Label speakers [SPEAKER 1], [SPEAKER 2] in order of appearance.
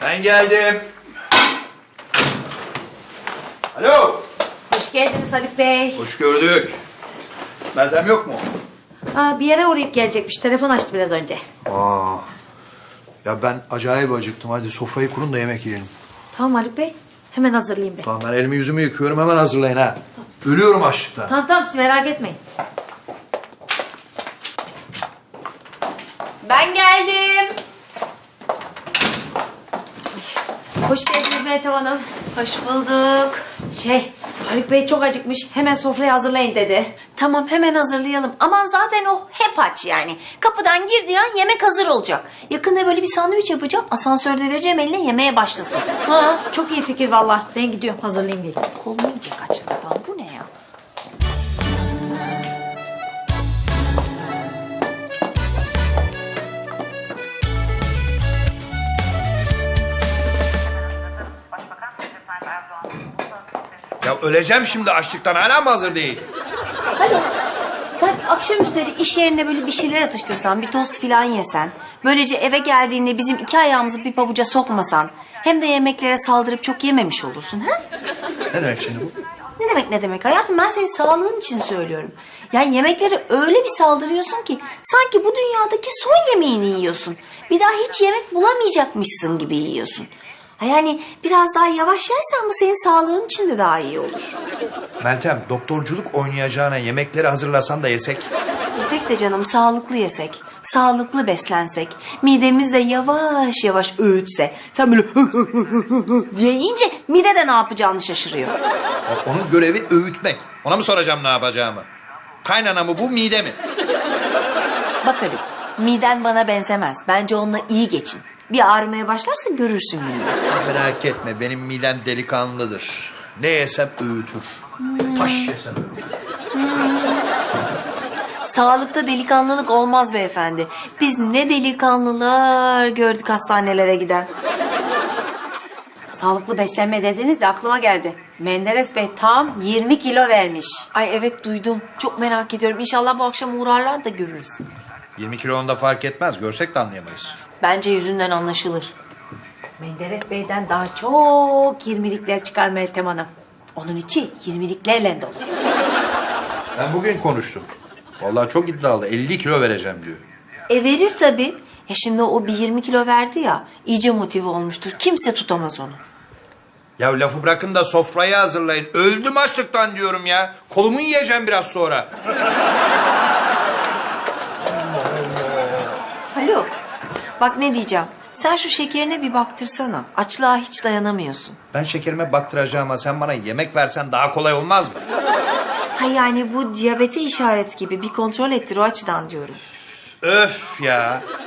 [SPEAKER 1] Ben geldim. Alo.
[SPEAKER 2] Hoş geldiniz Haluk Bey.
[SPEAKER 1] Hoş gördük. Meltem yok mu?
[SPEAKER 2] Bir yere uğrayıp gelecekmiş. Telefon açtı biraz önce.
[SPEAKER 1] Aa. Ya ben acayip acıktım. Hadi sofrayı kurun da yemek yiyelim.
[SPEAKER 2] Tamam Haluk Bey. Hemen hazırlayayım ben.
[SPEAKER 1] Tamam ben elimi yüzümü yıkıyorum. Hemen hazırlayın ha. Ölüyorum açlıktan.
[SPEAKER 2] Tamam siz merak etmeyin. Ben geldim. Hoş geldiniz Meltem Hanım.
[SPEAKER 3] Hoş bulduk.
[SPEAKER 2] Haluk Bey çok acıkmış. Hemen sofrayı hazırlayın dedi.
[SPEAKER 3] Tamam hemen hazırlayalım. Aman zaten o hep aç yani. Kapıdan girdiği an yemek hazır olacak. Yakında böyle bir sandviç yapacağım. Asansörde vereceğim eline yemeğe başlasın.
[SPEAKER 2] Çok iyi fikir vallahi. Ben gidiyorum hazırlayayım diye.
[SPEAKER 3] Kolumu yiyecek açlıktan. Bu ne ya?
[SPEAKER 1] Ya öleceğim şimdi açlıktan. Hala mı hazır değil?
[SPEAKER 3] Hadi. Sen akşamüstleri iş yerinde böyle bir şeyler atıştırsan, bir tost falan yesen. Böylece eve geldiğinde bizim iki ayağımızı bir pabuca sokmasan. Hem de yemeklere saldırıp çok yememiş olursun ha?
[SPEAKER 1] Ne demek şimdi bu?
[SPEAKER 3] Ne demek hayatım, ben senin sağlığın için söylüyorum. Yani yemeklere öyle bir saldırıyorsun ki sanki bu dünyadaki son yemeğini yiyorsun. Bir daha hiç yemek bulamayacakmışsın gibi yiyorsun. Ha yani biraz daha yavaş yersen bu senin sağlığın için de daha iyi olur.
[SPEAKER 1] Meltem, doktorculuk oynayacağına yemekleri hazırlasan da yesek.
[SPEAKER 3] Yesek de canım, sağlıklı yesek, sağlıklı beslensek, midemiz de yavaş yavaş öğütse. Sen böyle diye yiyince mide de ne yapacağını şaşırıyor.
[SPEAKER 1] Onun görevi öğütmek. Ona mı soracağım ne yapacağımı? Kaynana mı bu, mide mi?
[SPEAKER 3] Bak Haluk, miden bana benzemez. Bence onunla iyi geçin. Bir ağrımaya başlarsa görürsün mide.
[SPEAKER 1] Merak etme, benim midem delikanlıdır. Ne yesem öğütür. Taş yesem öğütür.
[SPEAKER 3] Sağlıkta delikanlılık olmaz beyefendi. Biz ne delikanlılar gördük hastanelere giden.
[SPEAKER 2] Sağlıklı beslenme dediniz de aklıma geldi. Menderes Bey tam 20 kilo vermiş.
[SPEAKER 3] Ay evet duydum. Çok merak ediyorum. İnşallah bu akşam uğrarlar da görürüz.
[SPEAKER 1] 20 kilo onda fark etmez. Görsek de anlayamayız.
[SPEAKER 3] Bence yüzünden anlaşılır.
[SPEAKER 2] Menderes Bey'den daha çok 20'likler çıkar Meltem Hanım. Onun içi 20'liklerle dolu.
[SPEAKER 1] Ben bugün konuştum. Vallahi çok iddialı. 50 kilo vereceğim diyor.
[SPEAKER 3] Verir tabii. Ya şimdi o bir 20 kilo verdi ya. İyice motive olmuştur. Kimse tutamaz onu.
[SPEAKER 1] Ya lafı bırakın da sofrayı hazırlayın. Öldüm açlıktan diyorum ya. Kolumu yiyeceğim biraz sonra.
[SPEAKER 3] Haluk, bak ne diyeceğim. Sen şu şekerine bir baktırsana. Açlığa hiç dayanamıyorsun.
[SPEAKER 1] Ben şekerime baktıracağıma sen bana yemek versen daha kolay olmaz mı?
[SPEAKER 3] Ha yani bu diyabete işaret gibi bir kontrol ettir o açıdan diyorum.
[SPEAKER 1] Öf ya.